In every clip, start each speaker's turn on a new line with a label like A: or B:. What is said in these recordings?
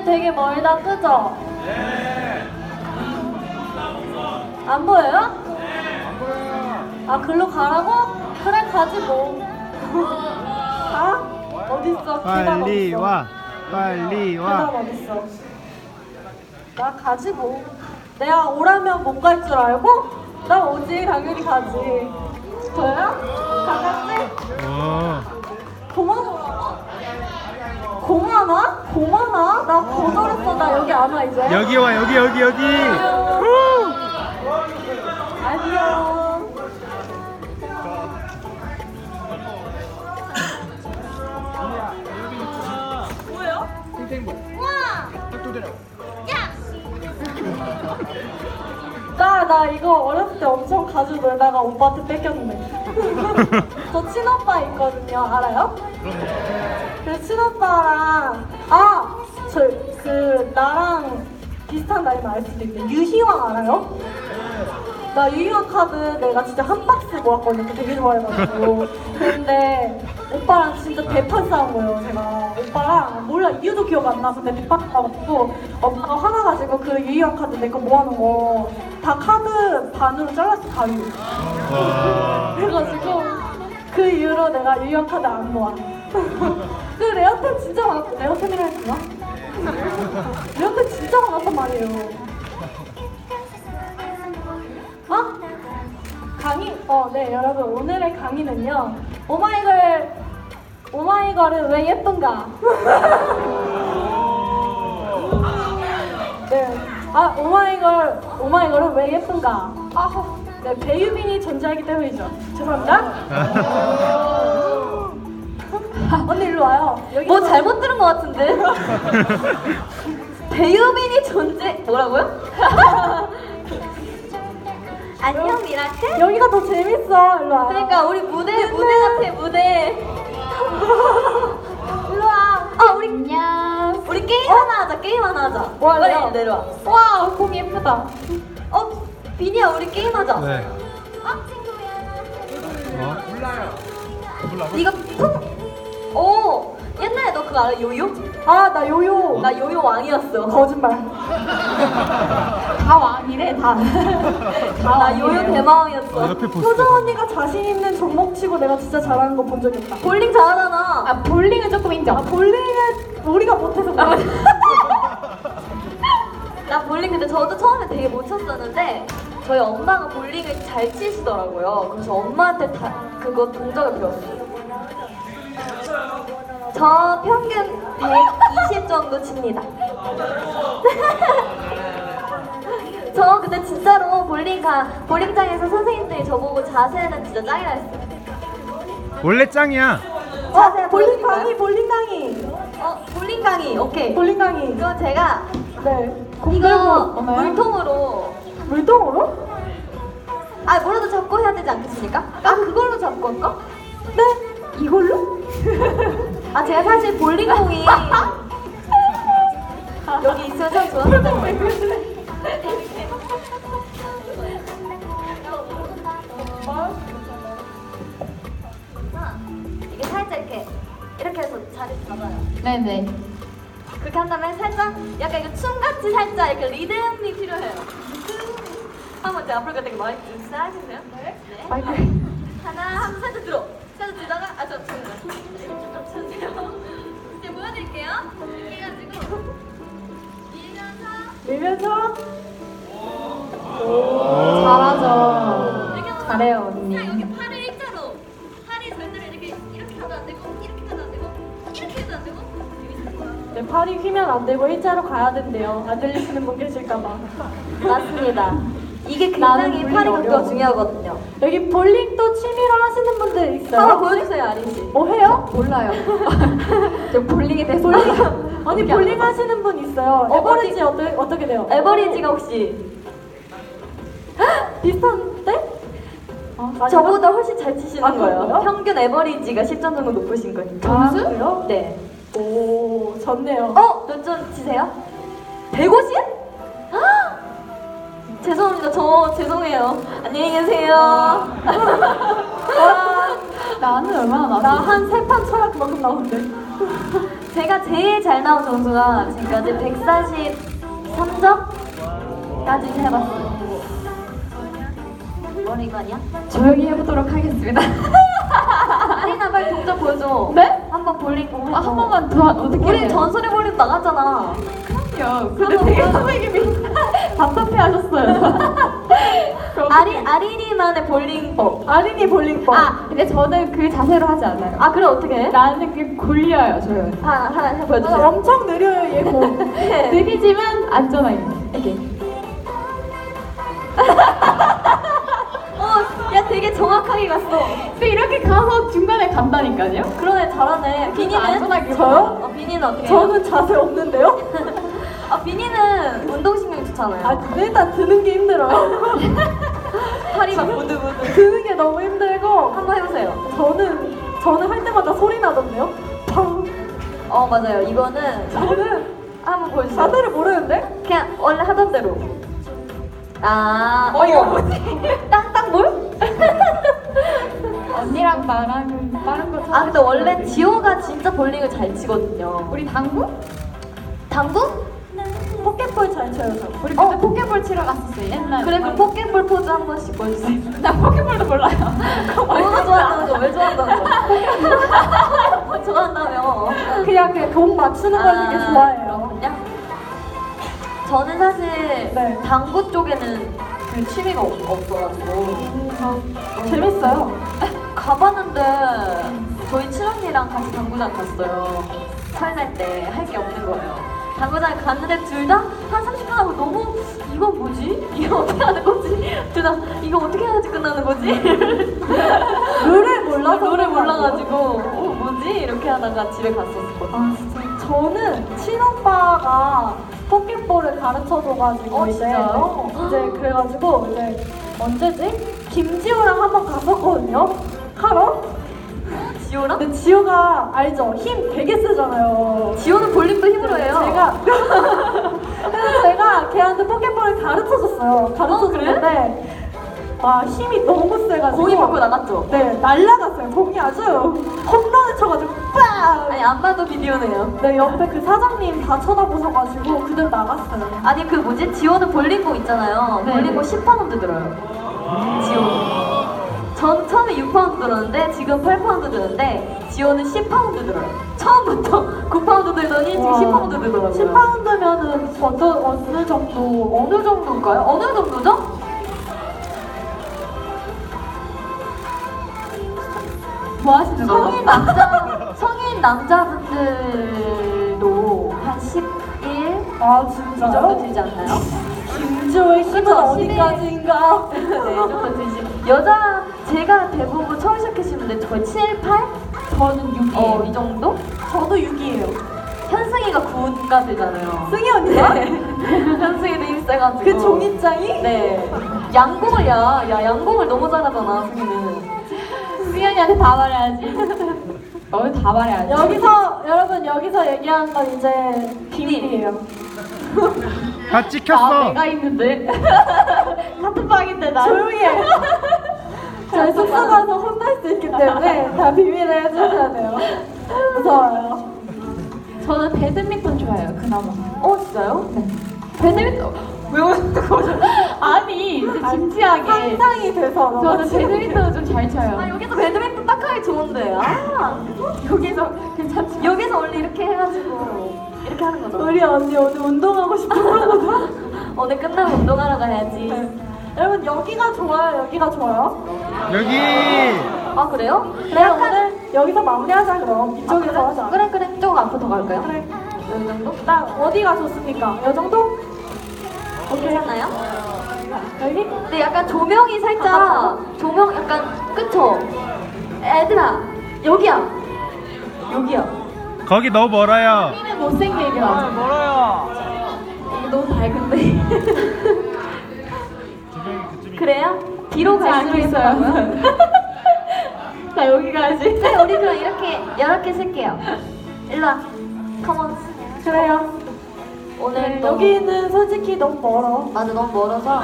A: 여기는 되게 멀다, 그죠? 네. 안 보여요? 네. 안 보여요. 아, 글로 가라고? 그래, 가지 뭐. 가? 어딨어?
B: 빨리
A: 어딨어?
B: 와. 빨리
A: 계단
B: 와.
A: 어딨어? 나 가지 뭐. 내가 오라면 못 갈 줄 알고? 나 오지, 당연히 가지. 저요? 가겠지? 고마워. 고마나? 고마나? 나 거절했어. 나 여기 안 와 이제.
B: 여기 와. 여기.
A: 안녕. 뭐예요? 나 이거 어렸을 때 엄청 가지고 놀다가 오빠한테 뺏겼는데. 저 친오빠 있거든요. 알아요? 그 친오빠랑 나랑 비슷한 나이는 알 수도 있는데 유희왕 알아요? 나 유희왕 카드 내가 진짜 한 박스 모았거든요. 되게 좋아해가지고. 근데 오빠랑 진짜 대판 싸운 거예요. 제가 오빠랑 몰라 이유도 기억 안 나. 근데 대판 싸웠고 오빠가 화나가지고 그 유희왕 카드 내 거 모아놓은 거 다 카드 반으로 잘랐어. 가위로. 그래가지고 그 이후로 내가 유희왕 카드 안 모아. 그 레어템 진짜 많았고 레어템이라 했구나. 레어템 진짜 많았단 말이에요. 강의? 네 여러분 오늘의 강의는요 오마이걸은 왜 예쁜가? 네. 오마이걸은 왜 예쁜가? 네, 배유빈이 존재하기 때문이죠. 죄송합니다. 언니 일로 와요. 여기
C: 뭐 잘못 들은 것 같은데? 배우빈이 존재 뭐라고요? 안녕 미라클?
A: 여기가 더 재밌어. 일로 와.
C: 그러니까 우리 무대 같아 무대.
A: 일로 와.
C: 우리 안녕. 우리 게임 하나 하자. 게임 하나 하자.
A: 뭐할래요?
C: 빨리 내려와.
A: 와, 곰 예쁘다.
C: 비니야 우리 게임 하자.
B: 네.
C: 네가 오 옛날에 너 그거 알아? 요요?
A: 나 요요.
C: 나 요요 왕이었어.
A: 거짓말. 다 왕이래 다.
C: 나 요요 대마왕이었어.
B: 옆에 보스.
A: 효정 언니가 자신 있는 종목 치고 내가 진짜 잘하는 거 본 적 있다.
C: 볼링 잘하잖아.
A: 볼링은 조금 인정. 볼링은 우리가 못해서 그래.
C: 나 볼링 근데 저도 처음에 되게 못 쳤었는데 저희 엄마가 볼링을 잘 치시더라고요. 그래서 엄마한테 다 그거 동작을 배웠어요. 저 평균 120 정도 칩니다. 저 근데 진짜로 볼링장에서 선생님들이 저보고 자세는 진짜 짱이라 했어요.
B: 원래 짱이야.
C: 자세
A: 볼링
C: 보여줄까요?
A: 강의, 볼링 강의.
C: 볼링 강의 오케이.
A: 볼링 강의.
C: 그럼 제가
A: 네. 공
C: 이거
A: 들고 오나요?
C: 물통으로
A: 물통으로?
C: 뭐라도 잡고 해야 되지 않겠습니까? 그걸로 잡고 할까?
A: 네. 이걸로?
C: 제가 사실 볼링공이 여기 있으면 참 좋았을 텐데. 이게 살짝 이렇게 해서 자리 잡아요.
A: 네네.
C: 그렇게 한 다음에 살짝 약간 이거 춤같이 살짝 이렇게 리듬이 필요해요. 한번 제가 앞으로 되게 많이 하시세요? 네.
A: 마이크.
C: 하나, 한번 살짝 들어. 살짝 들다가, 좀 쳐주세요. 이제 보여드릴게요. 이렇게 해가지고, 밀면서,
A: 오. 잘하죠.
C: 이렇게 하면서
A: 잘해요, 언니.
C: 그냥 여기 팔을 일자로. 팔이 절대로 이렇게 가도 안 되고, 이렇게 가도 안 되고, 이렇게 해도 안 되고,
A: 네, 팔이 휘면 안 되고 일자로 가야 된대요. 안 들리시는 분 계실까봐.
C: 맞습니다. 이게
A: 나는
C: 굉장히
A: 볼링
C: 팔이
A: 어려워.
C: 각도가 중요하거든요.
A: 여기 볼링도 취미로 하시는 분들 있어요?
C: 한번 보여주세요, 아린 씨.
A: 해요?
C: 몰라요. 저 볼링에 대해서
A: 아니 볼링 하시는 분 있어요. 에버리지 어떻게 돼요?
C: 에버리지가 혹시
A: 비슷한데?
C: 저보다 훨씬 잘 치시는 거예요.
A: 그런가요?
C: 평균 에버리지가 10점 정도 높으신 거니까.
A: 아, 그래요?
C: 네.
A: 오, 좋네요.
C: 몇 점 치세요? 150? 죄송합니다. 저 죄송해요. 안녕히 계세요.
A: 나는 얼마나 나? 나 한 3판 쳐야 그만큼 나오는데.
C: 제가 제일 잘 나온 점수가 지금까지 143점까지 해봤어요. 머리 이거 아니야?
D: 조용히 해보도록 하겠습니다.
C: 아리나 빨리 동작 보여줘.
D: 네?
C: 한번 볼링
D: 아, 한 번만 더 어떻게
C: 우리
D: 해요?
C: 전설의 볼링 나갔잖아.
D: 그럼요. 근데 되게 선생님이 답답해 하셨어요.
C: 아린이만의 볼링법.
A: 아린이 볼링법.
D: 근데 저는 그 자세로 하지 않아요.
C: 아 그래 어떻게 해?
D: 나는 그 골려요, 저는.
C: 하나
A: 아,
C: 보여주세요.
A: 엄청 느려요 얘 공.
D: 느리지만 안전하게. 이렇게.
C: 야 되게 정확하게 갔어.
D: 근데 이렇게 가서 중간에 간다니까요?
C: 그러네 잘하네. 비니는?
D: 안전하게.
A: 저요?
C: 비니는 어떻게 해요?
A: 저는 자세 없는데요?
C: 비니는 운동신경 좋잖아요.
A: 아 근데 일단 드는 게 힘들어요.
C: 팔이 막 부들부들.
A: 드는 게 너무 힘들고
C: 한번 해보세요.
A: 저는 할 때마다 소리 나던데요? 팡.
C: 맞아요. 이거는
A: 저는
C: 한번 보여주세요.
A: 자세를 모르는데?
C: 그냥 원래 하던 대로.
A: 이거
C: 뭐지? 땅땅볼?
D: 언니랑 나랑 빠른 거
C: 근데 원래 지호가 진짜 볼링을 잘 치거든요.
D: 우리 당구?
C: 당구?
A: 포켓볼 잘 쳐요 저.
D: 우리 그때 포켓볼 치러 갔었어요, 옛날에.
C: 그래 그 포켓볼 포즈 한 번씩 보여주세요.
D: 나 포켓볼도 몰라요.
C: 뭐가 좋아한다는 거? 왜 좋아한다는 거? 뭐 좋아한다며?
A: 그냥 공 맞추는 걸 되게 좋아해요.
C: 그렇군요. 저는 사실
A: 네.
C: 당구 쪽에는 그 취미가 없어가지고
A: 재밌어요.
C: 가봤는데 저희 친언니랑 같이 당구장 갔어요. 설날 때 할 게 없는 거예요. 당구장에 갔는데 둘 다 한 30분 하고 너무 이건 뭐지? 이거 어떻게 하는 거지? 둘 다 이거 어떻게 해야지 끝나는 거지?
A: 룰을 몰라서
C: 노래
A: 그런 거
C: 몰라가지고 뭐지? 이렇게 하다가 집에 갔었거든요.
A: 아 진짜 저는 친오빠가 포켓볼을 가르쳐줘가지고
C: 진짜요?
A: 이제 그래가지고 이제 언제지? 김지호랑 한번 갔었거든요 하러.
C: 지호랑?
A: 근데 지호가 알죠? 힘 되게 쓰잖아요.
C: 지호는 볼링도 힘으로 해요.
A: 그래서 제가 걔한테 포켓볼을 가르쳐줬어요. 가르쳐줬는데 와 힘이 너무 세가지고
C: 공이 밖으로 나갔죠?
A: 네 날라갔어요. 공이 아주 홈런을 쳐가지고 빵!
C: 아니 안 봐도 비디오네요.
A: 네 옆에 그 사장님 다 쳐다보셔가지고 그대로 나갔어요.
C: 아니 그 뭐지? 지호는 볼링공 있잖아요.
D: 네.
C: 볼링공 10파운드 들어요. 지호. 전 처음에 6파운드 들었는데 지금 8파운드 드는데 지호는 10파운드 들어요. 처음부터 9파운드 들더니 지금 10파운드 들더라고요.
A: 10파운드면은 어느 정도?
C: 어느 정도인가요? 어느 정도죠?
D: 뭐 하시는 거죠?
C: 성인 남자분들도 한 11?
A: 아
C: 이
A: 진짜요?
C: 정도 되지 않나요?
A: 김지호의 힘은
C: 그쵸,
A: 어디까지인가?
C: 네, 이 정도 되지. 여자, 제가 대부분 처음 시작하시는 분들 거의 7, 8?
D: 저는 6이에요.
C: 이 정도?
A: 저도 6이에요.
C: 현승이가 9가 되잖아요.
A: 승희 언니가?
C: 현승이도 힘 세가지고.
A: 그 종이장이?
C: 네. 양궁을 양궁을 너무 잘하잖아, 승희는.
D: 수연이한테 다 말해야지. 너희 다 말해야지.
A: 여러분 여기서 얘기하는 건 이제 비밀이에요.
B: 다 찍혔어.
D: 내가 있는데. 같은 방인데 나.
A: 조용히 해. 저희 숙소 가서 혼날 수 있기 때문에 다 비밀을 해주셔야 돼요. 무서워요.
D: 저는 배드민턴 좋아해요, 그나마.
C: 진짜요?
D: 네. 배드민턴. 왜 웃는 거죠? 아니, 이제 진지하게.
A: 상상이 돼서 너무
D: 저는 배드민턴을 좀 잘 쳐요.
C: 여기서 배드민턴 딱 하기 좋은데.
D: 여기서 괜찮죠?
C: 여기서 원래 이렇게 해가지고. 이렇게 하는 거죠.
A: 우리 언니 오늘 운동하고 싶은 거거든?
C: 오늘 끝나고 운동하러 가야지.
A: 여러분 여기가 좋아요? 여기가 좋아요?
B: 여기.
C: 아, 그래요?
A: 그래 오늘 여기서 마무리하자 그럼. 이쪽에서 하자.
C: 그래. 조금 앞으로 더 갈까요?
A: 그래.
C: 이 정도?
A: 나 어디가 좋습니까? 이 정도? 오케이.
C: 괜찮나요?
A: 여기?
C: 근데 약간 조명이 살짝 조명 약간 그쵸? 애들아 여기야
B: 거기 너무 멀어요.
D: 우리는 못생기게 하죠.
C: 이거 너무 밝은데 그래요? 뒤로 갈수록
D: 있어요.
C: 예쁘다고요?
D: 자, 여기 가야지.
C: 네, 우리 그럼 이렇게 쓸게요. 일로와 컴온.
A: 그래요.
C: 오늘 또
A: 여기는 솔직히 너무 멀어.
C: 맞아 너무 멀어서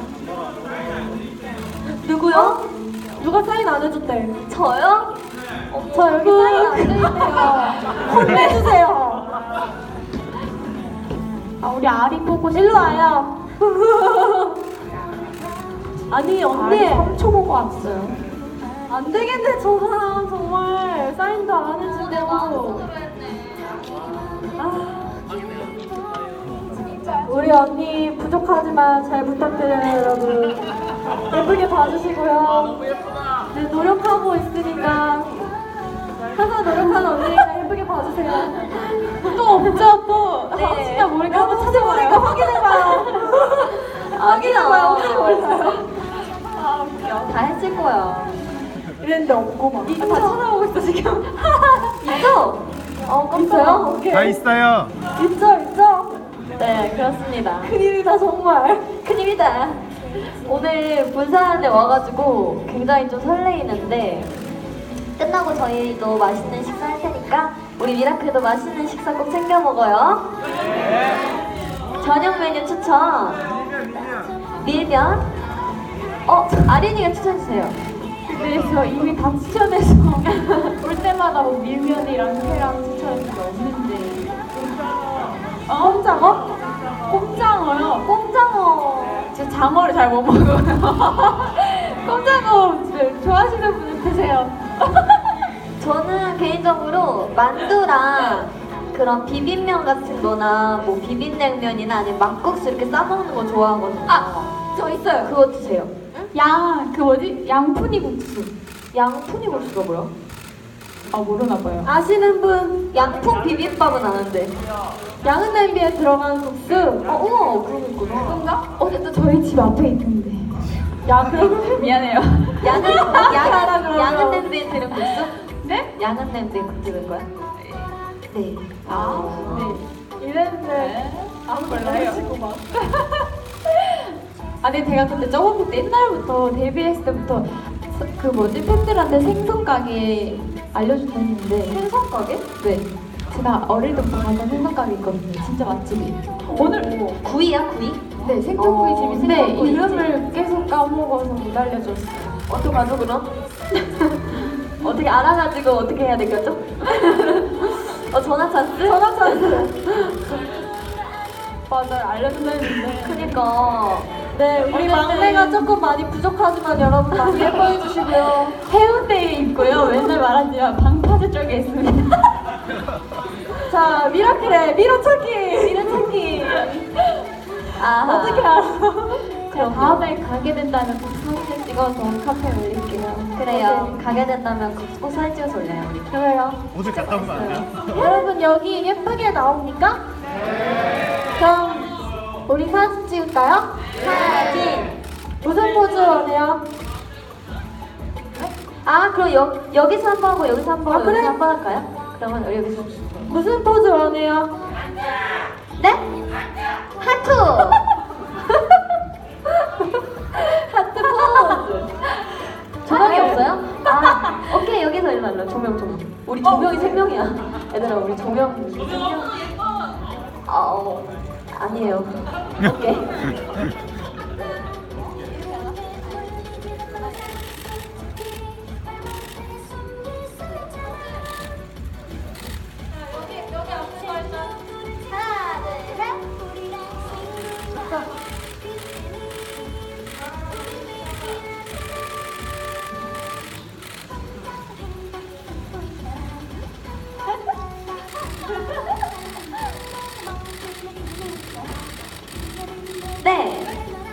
C: 누구요?
A: 누가 사인 안 해줬대?
C: 저요?
A: 저 여기 사인 안 돼있네요. 혼내주세요.
D: 아, 우리 아리 보고
A: 일로 와요. 아니 언니
D: 3초 보고 왔어요.
A: 안 되겠네 저 사람 정말 사인도 안 해주고. 아, 우리 언니 부족하지만 잘 부탁드려요 여러분. 예쁘게 봐주시고요. 네 노력하고 있으니까 항상 노력하는 언니니까 예쁘게 봐주세요.
D: 또 없죠, 또.
C: 네.
D: 진짜 모르겠어.
A: 한번 찾아보니까 확인해봐요. 확인해봐요. 혹시 몰라요.
C: 다 했을 거야.
A: 이랬는데 없고만.
C: 다 찾아보고 있어 지금. 있어?
A: 있어요? 오케이.
B: 다 있어요.
A: 있죠.
C: 네, 그렇습니다.
A: 큰일이다 정말.
C: 큰일이다. 오늘 분산에 와가지고 굉장히 좀 설레이는데 끝나고 저희도 맛있는 식사 할 테니까 우리 미라클도 맛있는 식사 꼭 챙겨 먹어요. 저녁 메뉴 추천. 밀면. 아린이가 추천해주세요.
D: 근데 저 이미 다 추천해서 올 때마다 뭐 밀면이랑 회랑 추천해준 게 없는데.
A: 꼼장어?
D: 꼼장어요?
C: 꼼장어.
D: 저 장어를 잘 못 먹어요. 꼼장어 좋아하시는 분은 드세요.
C: 저는 개인적으로 만두랑 그런 비빔면 같은 거나 뭐 비빔냉면이나 아니면 막국수 이렇게 싸먹는 거 좋아하거든요.
D: 저 있어요.
C: 그거 드세요.
D: 그 뭐지? 양푼이 국수.
C: 양푼이 국수가 뭐야?
D: 아, 모르나 봐요.
A: 아시는 분?
C: 양푼 비빔밥은 아는데.
A: 양은 냄비에 들어간 국수.
C: 우와, 그런 거 있구나.
D: 그런가? 근데 저희 집 앞에 있던데.
A: 야 그럼
D: 미안해요.
C: 양은 냄비에 들은 국수?
D: 네?
C: 양은 냄비에 들은 거야? 네.
D: 네.
A: 이랬는데
D: 아무 몰라요.
A: 모르시고 막.
D: 아니 제가 근데 저번부터 옛날부터 데뷔했을 때부터 그 뭐지 팬들한테 생선 가게 알려준다 했는데
C: 생선 가게?
D: 네 제가 어릴 때부터 가던 생선 가게 있거든요. 진짜 맛집이. 오늘
C: 구이야, 구이?
D: 네 생선구이 집인데
C: 생선구이
D: 이름을 계속 까먹어서 못 알려줬어요.
C: 어떡하죠, 그럼? 어떻게 알아가지고 어떻게 해야 되겠죠? 전화 찬스?
A: 전화 찬스.
D: 맞아요, 알려준다 했는데.
C: 그니까.
A: 네 우리 막내가 조금 많이 부족하지만 여러분 많이 예뻐해 주시고요.
D: 해운대에 있고요. 맨날 말하지만 방파제 쪽에 있습니다.
A: 자 미라클의 미로찾기.
C: 미로찾기. 아하.
A: 어떻게 알아?
D: 제가 다음에 가게 된다면 꼭 사진을 찍어서 카페에 올릴게요.
C: 그래요. 가게 된다면 꼭 사진 찍어서 올려요, 우리.
A: 그래요.
B: 오늘 갔다 오면 안 돼요?
A: 여러분 여기 예쁘게 나옵니까? 그럼 우리 사진 찍을까요?
C: 사진.
A: 무슨 포즈 원해요?
C: 그럼 여기서 한 번 하고 여기서 한 번 하고
A: 그래?
C: 여기서 한 번 할까요? 그러면 우리 여기서.
A: 무슨 포즈 원해요?
C: 네? 하트! 하트 포즈! 조명이 없어요? 오케이, 여기서 일로 조명. 우리 조명이 3명이야. 얘들아, 우리 조명 3명. 아니에요. 오케이. 네,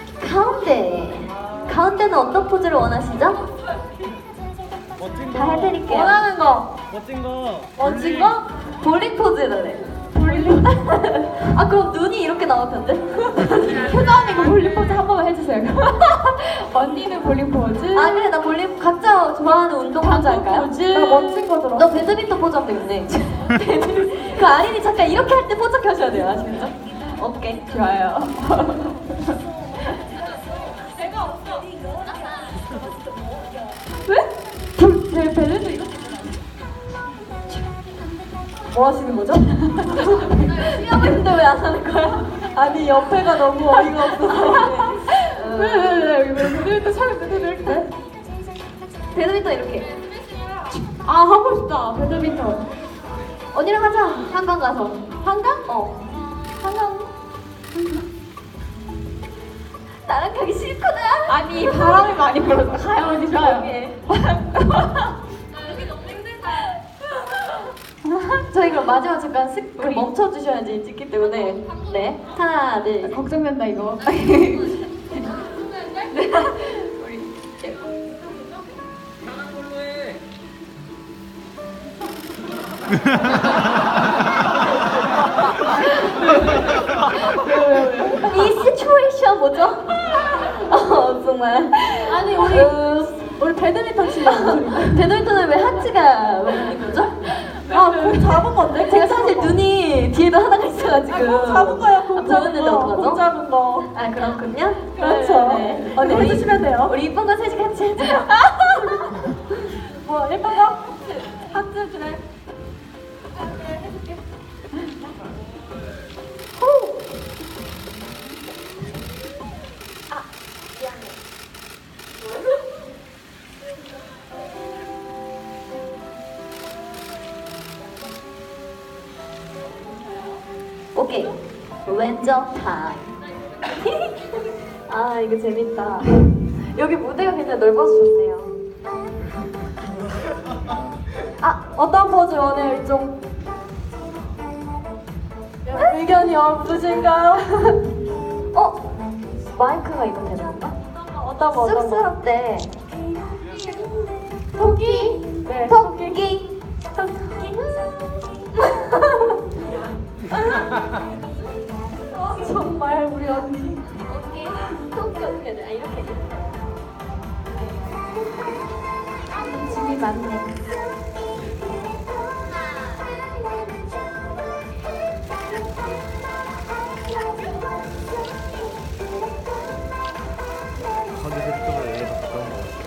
C: 가운데는 어떤 포즈를 원하시죠?
B: 멋진
C: 다 해드릴게요.
A: 원하는 거.
B: 멋진 거.
A: 멋진 거?
C: 볼링 포즈 해달래. 볼링? 그럼 눈이 이렇게 나올 텐데?
D: 효자 언니가 볼링 포즈 한 번만 해주세요. 언니는 볼링 포즈.
C: 그래, 나 볼링 각자 좋아하는 운동 포즈 할까요?
A: 나 멋진 거 들어.
C: 너 배드민턴 포즈 하면 되겠네. 그 아린이 잠깐 이렇게 할 때 포즈 켜셔야 돼요, 아시겠죠? 오케이.
D: 좋아요. 왜? 제 벨레도 이렇게.
A: 뭐 하시는 거죠?
C: 하고 있는데 왜 안 하는 거야?
A: 아니 옆에가 너무 어이가 없어서.
D: 왜? 벨레도 처음에 벨레도 이렇게.
C: 배드민턴 이렇게.
D: 아 하고 싶다. 배드민턴.
C: 언니랑 하자. 한강 가서.
D: 한강?
C: 한강. 나랑 가기 싫구나.
D: 아니 바람이 많이 불어서 가요 언니 좋아요.
C: 저희 그럼 마지막 잠깐 우리 멈춰 주셔야지 찍기 때문에. 네. 하나, 둘.
D: 걱정된다 이거.
C: 이 시츄에이션 뭐죠? 정말.
A: 아니 우리 배드민턴 치려고.
C: 배드민턴은 왜 하트가 왜 있는 거죠?
A: 아공 잡은 건데?
C: 제가 사실 눈이 뒤에도 하나가 있어가지고.
A: 공 잡은 거야. 공
C: 아,
A: 잡은
C: 보였는데
A: 거.
C: 어떡하죠?
A: 공 잡은 거.
C: 아 그렇군요.
A: 그렇죠.
C: 네.
A: 언니 해주시면 돼요.
C: 우리 이쁜 거 셋이 같이 해줘요.
A: 뭐 예쁜 거? 하트 그래.
C: 오케이. 왼쪽 타임. 아 이거 재밌다. 여기 무대가 굉장히 넓어서 좋네요.
A: 어떤 포즈 원해요 이쪽? 의견이 없으신가요?
C: 마이크가 이거 되는 건가?
A: 어떤 거? 어떤 거?
C: 쑥스럽대.
A: 토끼. 네.
C: 토끼.
A: 정말 우리 언니.
C: 토끼 어떻게 해야 돼? 아 이렇게.
D: 짐이 많네.
B: 컨셉적으로 얘가 더 가까운 것 같아.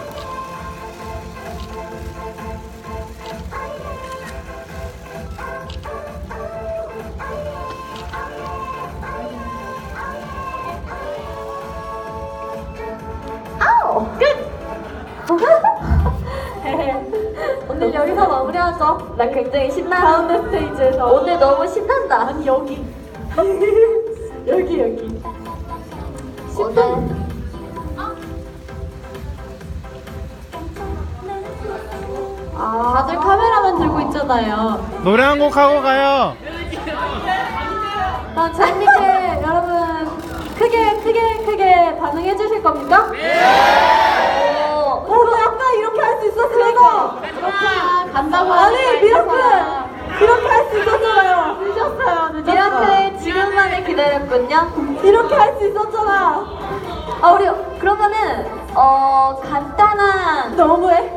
A: 오늘 여기서 마무리하죠.
C: 나 굉장히 신나.
A: 가운데 스테이지에서.
C: 오늘 너무 신난다.
A: 아니 여기. 여기.
C: 오늘
D: 다들 카메라만 들고 있잖아요.
B: 노래 한 곡 하고 가요.
A: 재밌게 여러분 크게 반응해 주실 겁니까? 너 아까 이렇게 할 수 있었어 이거.
D: 간다고
A: 아니
D: 하니까
A: 미라클
D: 있잖아.
A: 이렇게 할 수 있었잖아요. 늦었어요.
C: 미라클 지금만을 기다렸군요.
A: 이렇게 할 수 있었잖아.
C: 우리 그러면은 간단한
A: 너무해.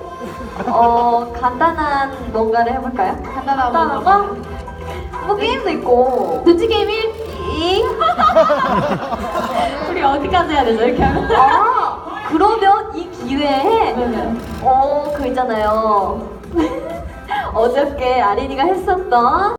C: 간단한 뭔가를 해볼까요?
A: 간단한 거?
C: 뭐 게임도 있고.
D: 눈치 게임 1. 우리 어디까지 해야 되죠? 이렇게 하면.
C: 그러면 이 기회에
A: 네네.
C: 그 있잖아요. 어저께 아린이가 했었던